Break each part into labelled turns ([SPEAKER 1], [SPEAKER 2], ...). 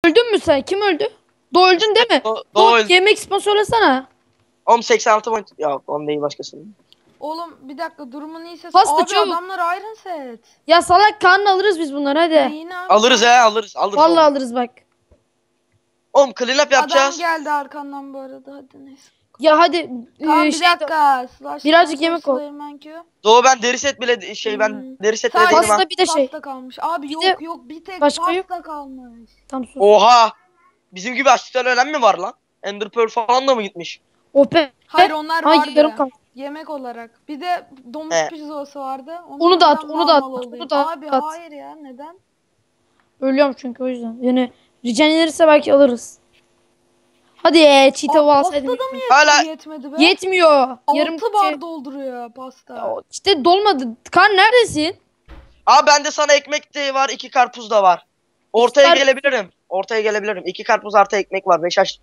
[SPEAKER 1] Öldün mü sen? Kim öldü? Doğu öldün değil mi?
[SPEAKER 2] Doğu öldü.
[SPEAKER 1] Yemek sponsorlasana.
[SPEAKER 2] 86 point. Ya on değil başkasının.
[SPEAKER 3] Oğlum bir dakika durumun iyiyse.
[SPEAKER 1] Pasta
[SPEAKER 3] Abi
[SPEAKER 1] çabuk.
[SPEAKER 3] adamlar Iron Set.
[SPEAKER 1] Ya salak karnı alırız biz bunları hadi.
[SPEAKER 3] Neyini abi?
[SPEAKER 2] Alırız alırız.
[SPEAKER 1] Vallahi
[SPEAKER 2] oğlum.
[SPEAKER 1] alırız bak.
[SPEAKER 2] Oğlum clean up yapacağız.
[SPEAKER 3] Adam geldi arkandan bu arada. Hadi neyse.
[SPEAKER 1] Ya hadi.
[SPEAKER 3] Tamam bir
[SPEAKER 1] şey-
[SPEAKER 3] dakika. Slash
[SPEAKER 1] Birazcık yemek ol.
[SPEAKER 3] Slayerman Q.
[SPEAKER 2] Doğu ben deri set bile ben deri set bile
[SPEAKER 3] Sadece
[SPEAKER 2] değilim ha.
[SPEAKER 1] Pasta bir de şey.
[SPEAKER 3] Pasta kalmış. Abi
[SPEAKER 1] Bir
[SPEAKER 3] yok
[SPEAKER 1] de
[SPEAKER 3] yok bir tek
[SPEAKER 1] başka
[SPEAKER 3] pasta
[SPEAKER 1] yok.
[SPEAKER 3] kalmış.
[SPEAKER 1] Tam sus.
[SPEAKER 2] Oha. Bizim gibi açlıktan ölen mi var lan? Ender Pearl falan da mı gitmiş?
[SPEAKER 1] Ope.
[SPEAKER 3] Hayır onlar
[SPEAKER 1] Ay,
[SPEAKER 3] vardı.
[SPEAKER 1] yarım kaldı.
[SPEAKER 3] Yemek olarak. Bir de domuz
[SPEAKER 2] He.
[SPEAKER 3] pizzası vardı.
[SPEAKER 1] Onu da at,
[SPEAKER 3] neden
[SPEAKER 1] onu da at,
[SPEAKER 3] mal olayım?
[SPEAKER 1] onu da
[SPEAKER 3] Abi
[SPEAKER 1] at.
[SPEAKER 3] hayır ya neden?
[SPEAKER 1] Ölüyorum çünkü o yüzden. Yani regenerirse belki alırız. Hadi çiğ alsaydım.
[SPEAKER 3] Pastada mı
[SPEAKER 2] Hala-
[SPEAKER 3] yetmedi be?
[SPEAKER 1] Yetmiyor. Yarım
[SPEAKER 3] 6 bar dolduruyor pasta.
[SPEAKER 1] İşte dolmadı. Kan neredesin?
[SPEAKER 2] Aa bende sana ekmek de var, 2 karpuz da var. Ortaya
[SPEAKER 1] İster-
[SPEAKER 2] gelebilirim. Ortaya gelebilirim. 2 karpuz artı ekmek var. 5 aç.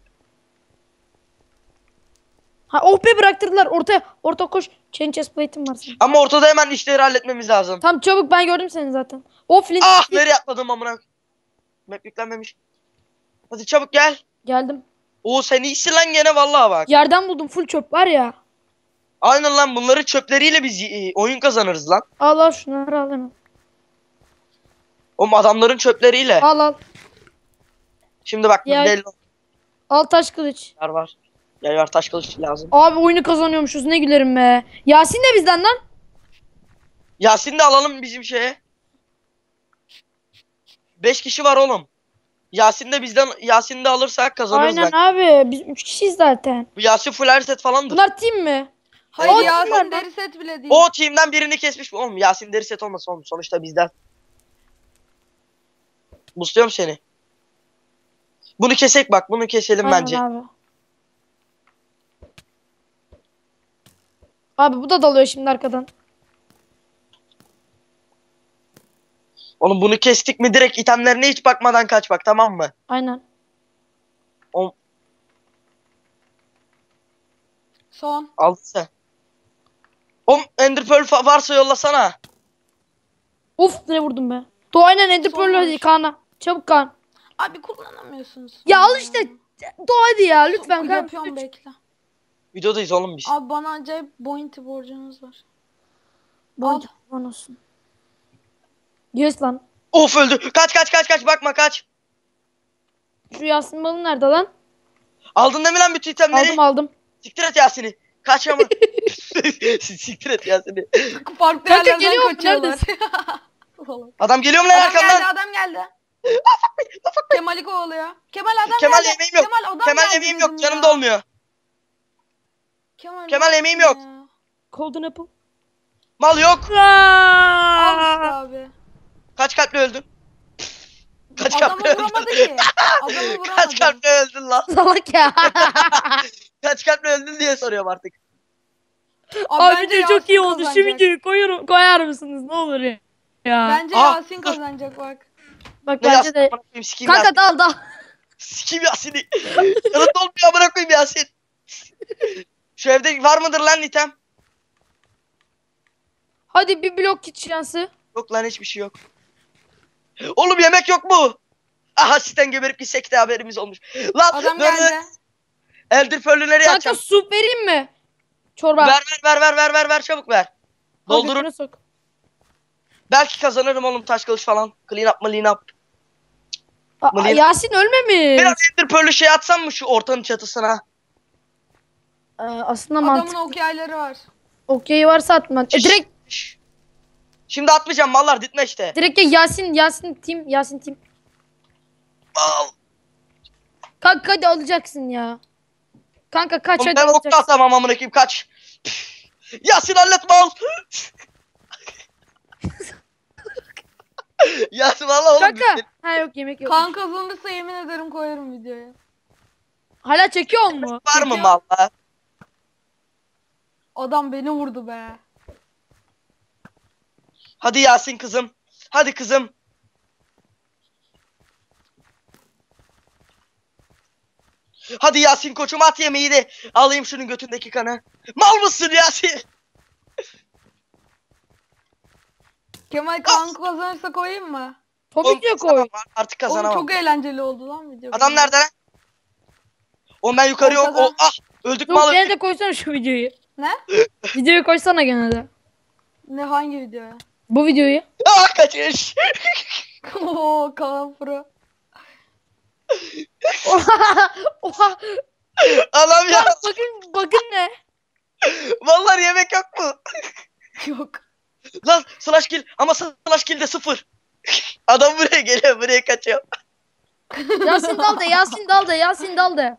[SPEAKER 1] Ha oh be bıraktırdılar. Orta koş. Chain chest plate'im var senin.
[SPEAKER 2] Ama ortada hemen işleri halletmemiz lazım.
[SPEAKER 1] Tamam çabuk ben gördüm seni zaten. O flint.
[SPEAKER 2] Ah nereye atladım amına. Map yüklenmemiş. Hadi çabuk gel.
[SPEAKER 1] Geldim.
[SPEAKER 2] Oo sen iyisin lan gene vallahi bak.
[SPEAKER 1] Yerden buldum full çöp var ya.
[SPEAKER 2] Aynen lan bunları çöpleriyle biz oyun kazanırız lan.
[SPEAKER 1] Al al şunları al hemen.
[SPEAKER 2] Oğlum adamların çöpleriyle.
[SPEAKER 1] Al al.
[SPEAKER 2] Şimdi bak
[SPEAKER 1] Ya-
[SPEAKER 2] belli
[SPEAKER 1] Al taş kılıç.
[SPEAKER 2] var. Yay var taş kılıç lazım.
[SPEAKER 1] Abi oyunu kazanıyormuşuz ne gülerim be. Yasin de bizden lan.
[SPEAKER 2] Yasin de alalım bizim şeye. 5 kişi var oğlum. Yasin de bizden Yasin de alırsak kazanırız
[SPEAKER 1] Aynen
[SPEAKER 2] ben.
[SPEAKER 1] abi biz 3 kişiyiz zaten.
[SPEAKER 2] Bu Yasin full her set falandır.
[SPEAKER 1] Bunlar team mi?
[SPEAKER 3] Hayır
[SPEAKER 2] Evet.
[SPEAKER 3] Yasin deri set bile değil.
[SPEAKER 2] O team'den birini kesmiş. Oğlum Yasin deri set olmasın oğlum. Sonuçta bizden. Busluyorum seni. Bunu kesek bak. Bunu keselim
[SPEAKER 1] Aynen
[SPEAKER 2] bence.
[SPEAKER 1] abi. Abi bu da dalıyor şimdi arkadan.
[SPEAKER 2] Oğlum bunu kestik mi direkt itemlerine hiç bakmadan kaç bak tamam mı?
[SPEAKER 1] Aynen.
[SPEAKER 3] Son.
[SPEAKER 2] Aldın sen. Oğlum Ender Pearl varsa yollasana.
[SPEAKER 1] Uf ne vurdum be. Doğu aynen Ender
[SPEAKER 3] Son
[SPEAKER 1] Pearl hadi
[SPEAKER 3] vuruş.
[SPEAKER 1] Kaan'a. Çabuk Kaan.
[SPEAKER 3] Abi kullanamıyorsunuz.
[SPEAKER 1] Ya al işte. Doğu hadi ya lütfen Kaan.
[SPEAKER 3] Yapıyorum bekle.
[SPEAKER 2] Videodayız oğlum biz.
[SPEAKER 3] Abi bana acayip bounty borcunuz var.
[SPEAKER 1] Al. Olsun. Yes lan.
[SPEAKER 2] Of öldü. Kaç bakma kaç.
[SPEAKER 1] Şu Yasin balı nerede lan?
[SPEAKER 2] Aldın değil mi lan bütün itemleri?
[SPEAKER 1] Aldım.
[SPEAKER 2] Siktir et Yasin'i. Kaç ama. Siktir et Yasin'i.
[SPEAKER 3] Farklı
[SPEAKER 1] Kanka,
[SPEAKER 3] yerlerden
[SPEAKER 1] geliyor mu?
[SPEAKER 3] kaçıyorlar. Salak.
[SPEAKER 2] Adam geliyor mu lan
[SPEAKER 3] Adam
[SPEAKER 2] arkamdan?
[SPEAKER 3] geldi adam geldi. Kemal'i kovalıyor. Kemal adam
[SPEAKER 2] Kemal
[SPEAKER 3] geldi.
[SPEAKER 2] yemeğim yok.
[SPEAKER 3] Kemal adam
[SPEAKER 2] Kemal
[SPEAKER 3] geldi
[SPEAKER 2] yemeğim
[SPEAKER 3] dedim
[SPEAKER 2] yok.
[SPEAKER 3] ya.
[SPEAKER 2] Canım dolmuyor. Kemal
[SPEAKER 3] ne
[SPEAKER 2] yemeğim
[SPEAKER 3] yaptın
[SPEAKER 2] yok.
[SPEAKER 3] ya?
[SPEAKER 1] Golden apple.
[SPEAKER 2] Mal yok.
[SPEAKER 3] Al işte abi.
[SPEAKER 2] Kaç kalple öldün? Kaç
[SPEAKER 3] Adamı
[SPEAKER 2] kalple öldün?
[SPEAKER 3] vuramadı ki. Adamı vuramadı.
[SPEAKER 2] Kaç kalple öldün lan?
[SPEAKER 1] Salak ya.
[SPEAKER 2] Kaç kalple öldün diye soruyorum artık.
[SPEAKER 1] Abi
[SPEAKER 3] bence
[SPEAKER 1] video çok iyi
[SPEAKER 3] Yasin
[SPEAKER 1] oldu. Şu
[SPEAKER 3] kazanacak.
[SPEAKER 1] videoyu koyar mısınız ne olur ya.
[SPEAKER 3] Bence
[SPEAKER 2] Aa,
[SPEAKER 3] Yasin
[SPEAKER 2] dur.
[SPEAKER 3] kazanacak bak.
[SPEAKER 1] Bak
[SPEAKER 2] Ne
[SPEAKER 1] bence
[SPEAKER 2] Yasin?
[SPEAKER 1] de.
[SPEAKER 2] Amına koyayım, sikeyim Yasin.
[SPEAKER 1] Kanka dal.
[SPEAKER 2] Sikeyim Yasin'i. Canım dolmuyor amına koyayım Yasin. Şu evde var mıdır lan item?
[SPEAKER 1] Hadi bir blok kit şansı.
[SPEAKER 2] Yok lan hiçbir şey yok. Oğlum yemek yok mu? Aha sitten geberip gitsek de haberimiz olmuş. Lan
[SPEAKER 3] Adam
[SPEAKER 2] dur, dur.
[SPEAKER 3] geldi.
[SPEAKER 2] Elder Pearl'ü nereye
[SPEAKER 1] Kanka
[SPEAKER 2] atacağım?
[SPEAKER 1] su vereyim mi? Çorba.
[SPEAKER 2] Ver çabuk ver.
[SPEAKER 1] Al
[SPEAKER 2] Doldurun.
[SPEAKER 1] götüne sok.
[SPEAKER 2] Belki kazanırım oğlum taş kılıç falan. Clean up. Mılayım.
[SPEAKER 1] Yasin ölmemiş.
[SPEAKER 2] Biraz Ender Pearl'ü şey atsam mı şu ortanın çatısına?
[SPEAKER 1] Aslında
[SPEAKER 3] Adamın
[SPEAKER 1] mantıklı.
[SPEAKER 3] okyayları var.
[SPEAKER 1] Okey varsa atma. Direkt
[SPEAKER 2] Şimdi atmayacağım mallar ditme işte.
[SPEAKER 1] direkt ya Yasin team.
[SPEAKER 2] Al.
[SPEAKER 1] Kanka hadi alacaksın ya. Kanka kaç
[SPEAKER 2] Oğlum
[SPEAKER 1] hadi
[SPEAKER 2] ben ok da
[SPEAKER 1] alacaksın.
[SPEAKER 2] atamam amına koyayım kaç. Yasin halletme al. Yasin valla oğlum.
[SPEAKER 1] Kanka. Ha yok yemek yok.
[SPEAKER 3] Kan kazanırsa yemin ederim koyarım videoya.
[SPEAKER 1] Hala çekiyor mu?
[SPEAKER 2] Var mı
[SPEAKER 3] Çekiyor.
[SPEAKER 2] malla?
[SPEAKER 3] Adam beni vurdu be.
[SPEAKER 2] Hadi Yasin kızım. Hadi kızım. Hadi Yasin koçum at yemeği de alayım şunun götündeki kanı. Mal mısın Yasin?
[SPEAKER 3] Kemal kan kazanırsa koyayım mı?
[SPEAKER 1] Tabii ki koy.
[SPEAKER 2] Artık
[SPEAKER 3] Oğlum
[SPEAKER 2] kazanamam.
[SPEAKER 3] çok eğlenceli oldu lan video.
[SPEAKER 2] Adam nerede lan? Oğlum ben yukarı yok.
[SPEAKER 3] Ortada.
[SPEAKER 2] Öldük mü
[SPEAKER 1] Yok
[SPEAKER 2] al
[SPEAKER 1] gene
[SPEAKER 2] öldük.
[SPEAKER 1] de koysana şu videoyu.
[SPEAKER 3] Ne?
[SPEAKER 1] Videoyu koysana gene de.
[SPEAKER 3] Ne hangi videoya?
[SPEAKER 1] Bu videoyu.
[SPEAKER 2] Kaçış.
[SPEAKER 3] Oo Kaan Pro.
[SPEAKER 1] Oha. Oha.
[SPEAKER 2] Anam ya.
[SPEAKER 1] Bakın ne?
[SPEAKER 2] Vallahi yemek yok mu?
[SPEAKER 3] Yok.
[SPEAKER 2] Lan slash kill ama slash kill de 0. Adam buraya geliyor, buraya kaçıyor.
[SPEAKER 1] Yasin dal de, Yasin dal de, Yasin dal de.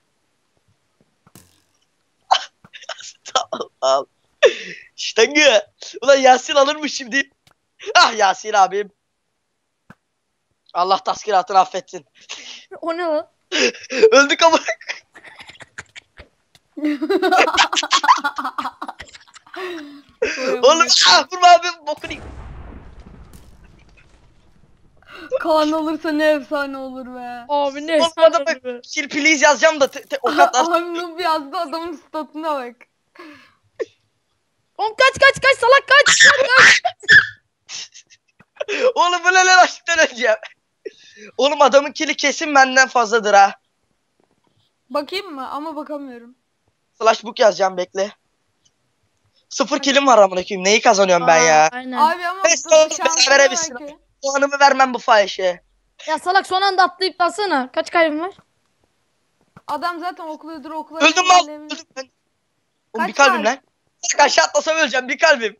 [SPEAKER 2] Al, al. Ştangı. Ulan Yasin alırmış şimdi. Ah Yasin abim. Allah taskiratını affetsin.
[SPEAKER 1] O ne lan?
[SPEAKER 2] Öldük ama. Oğlum vurma abim bokunu.
[SPEAKER 3] Kaan olursa ne efsane olur be.
[SPEAKER 1] Abi ne
[SPEAKER 2] Oğlum
[SPEAKER 1] efsane
[SPEAKER 2] adamı
[SPEAKER 1] be.
[SPEAKER 2] kill please yazacağım da ok atlar.
[SPEAKER 3] Abi noob yazdı adamın statına bak.
[SPEAKER 1] Oğlum kaç salak kaç.
[SPEAKER 2] Oğlum bu ne lan açlıktan öleceğim. Oğlum adamın kill'i kesin benden fazladır ha.
[SPEAKER 3] Bakayım mı? Ama bakamıyorum.
[SPEAKER 2] Slash book yazacağım bekle. 0 kill'im var amına koyayım. Neyi kazanıyorum ben ya?
[SPEAKER 1] Aynen.
[SPEAKER 3] Abi ama
[SPEAKER 2] Neyse oğlum,
[SPEAKER 3] şanslı
[SPEAKER 2] berabere bitsin.
[SPEAKER 3] belki.
[SPEAKER 2] Puanımı vermem bu fahişe.
[SPEAKER 1] Ya salak son anda atlayıp dalsana. Kaç kaybın var?
[SPEAKER 3] Adam zaten okuludur okula.
[SPEAKER 2] Öldüm mal. Öldüm ben. Oğlum
[SPEAKER 3] Kaç
[SPEAKER 2] bir kalbim
[SPEAKER 3] var?
[SPEAKER 2] lan. Bak aşağı atlasam öleceğim bir kalbim.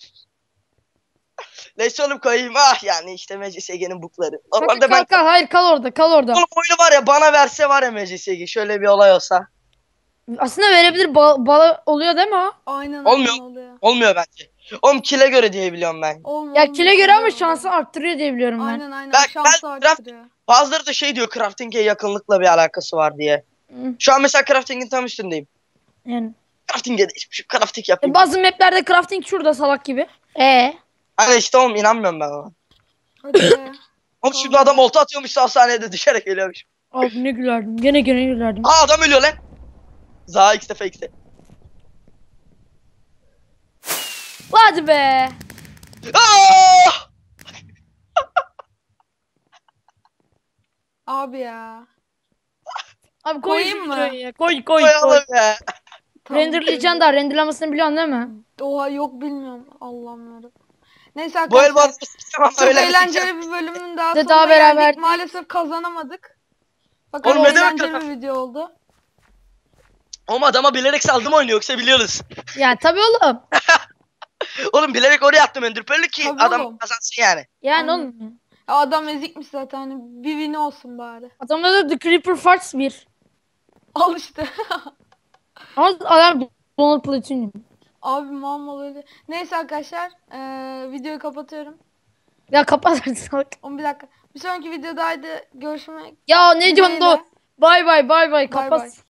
[SPEAKER 2] Neyse oğlum koyayım. Ah yani işte MCSG'nin bukları. Normalde ben...
[SPEAKER 1] Kal. Hayır kal orada.
[SPEAKER 2] Oğlum oyunu var ya bana verse var ya MCSG. Şöyle bir olay olsa.
[SPEAKER 1] Aslında verebilir. Bala oluyor değil mi o?
[SPEAKER 3] Aynen
[SPEAKER 2] Olmuyor.
[SPEAKER 3] aynen oluyor.
[SPEAKER 2] Olmuyor bence. Oğlum kill'e göre diye biliyorum ben.
[SPEAKER 3] Olmuyor.
[SPEAKER 1] Ya kile göre ama
[SPEAKER 3] oluyor.
[SPEAKER 1] şansı arttırıyor diye biliyorum ben.
[SPEAKER 3] Aynen aynen
[SPEAKER 2] Bak,
[SPEAKER 3] şansı
[SPEAKER 2] ben-
[SPEAKER 3] arttırıyor.
[SPEAKER 2] Bazıları da şey diyor crafting'e yakınlıkla bir alakası var diye.
[SPEAKER 1] Hı,
[SPEAKER 2] Şu an mesela crafting'in tam üstündeyim.
[SPEAKER 1] Yani.
[SPEAKER 2] Crafting'e de şu crafting yapayım.
[SPEAKER 1] Bazı maplerde crafting şurada salak gibi.
[SPEAKER 2] Hani işte oğlum inanmıyorum ben ona.
[SPEAKER 3] Hadi be.
[SPEAKER 2] Oğlum şimdi adam olta atıyormuş hastanede düşerek ölüyormuş.
[SPEAKER 1] Abi ne gülerdim. Gene gülerdim.
[SPEAKER 2] Aa adam ölüyor lan. Za X'te fake'te.
[SPEAKER 1] Hadi be.
[SPEAKER 2] Aa!
[SPEAKER 3] Abi ya.
[SPEAKER 1] Abi
[SPEAKER 3] Koyayım
[SPEAKER 1] şu
[SPEAKER 3] mı?
[SPEAKER 1] videoyu ya. Koy.
[SPEAKER 2] Koyalım ya.
[SPEAKER 3] Tamam,
[SPEAKER 1] Renderlayacaksın da renderlamasını biliyorsun değil mi?
[SPEAKER 3] Oha yok bilmiyorum. Allah'ım yarabbim. Neyse
[SPEAKER 2] Bu el
[SPEAKER 3] arkadaşlar.
[SPEAKER 2] bana sıçacağım ama
[SPEAKER 3] Çok
[SPEAKER 2] öyle
[SPEAKER 3] eğlenceli bir bölümün daha
[SPEAKER 1] De
[SPEAKER 3] sonuna
[SPEAKER 1] daha beraber-
[SPEAKER 3] geldik. Maalesef kazanamadık. Fakat
[SPEAKER 2] Oğlum ne demek
[SPEAKER 3] eğlenceli
[SPEAKER 2] kazan-
[SPEAKER 3] bir video oldu.
[SPEAKER 2] Oğlum adama bilerek saldım oyunu yoksa biliyoruz.
[SPEAKER 1] Ya tabii oğlum.
[SPEAKER 2] Oğlum bilerek oraya attım Enderpearl'ü ki
[SPEAKER 3] Tabii
[SPEAKER 2] adam
[SPEAKER 3] oğlum.
[SPEAKER 2] kazansın yani.
[SPEAKER 1] Yani
[SPEAKER 3] Aynen.
[SPEAKER 1] oğlum.
[SPEAKER 3] Ya adam ezikmiş zaten. Hani bir win olsun bari.
[SPEAKER 1] Adamda da The Creeper Farts 1.
[SPEAKER 3] Al işte.
[SPEAKER 1] Ama adam Donald Platinum.
[SPEAKER 3] Abi mal öyle. Neyse arkadaşlar. Videoyu kapatıyorum.
[SPEAKER 1] Ya kapat artık salak.
[SPEAKER 3] 11 dakika. Bir sonraki videodaydı. Görüşmek
[SPEAKER 1] Ya ne diyorsun
[SPEAKER 3] dileğiyle.
[SPEAKER 1] da? Bay bay
[SPEAKER 3] Bay
[SPEAKER 1] kapat.
[SPEAKER 3] bay.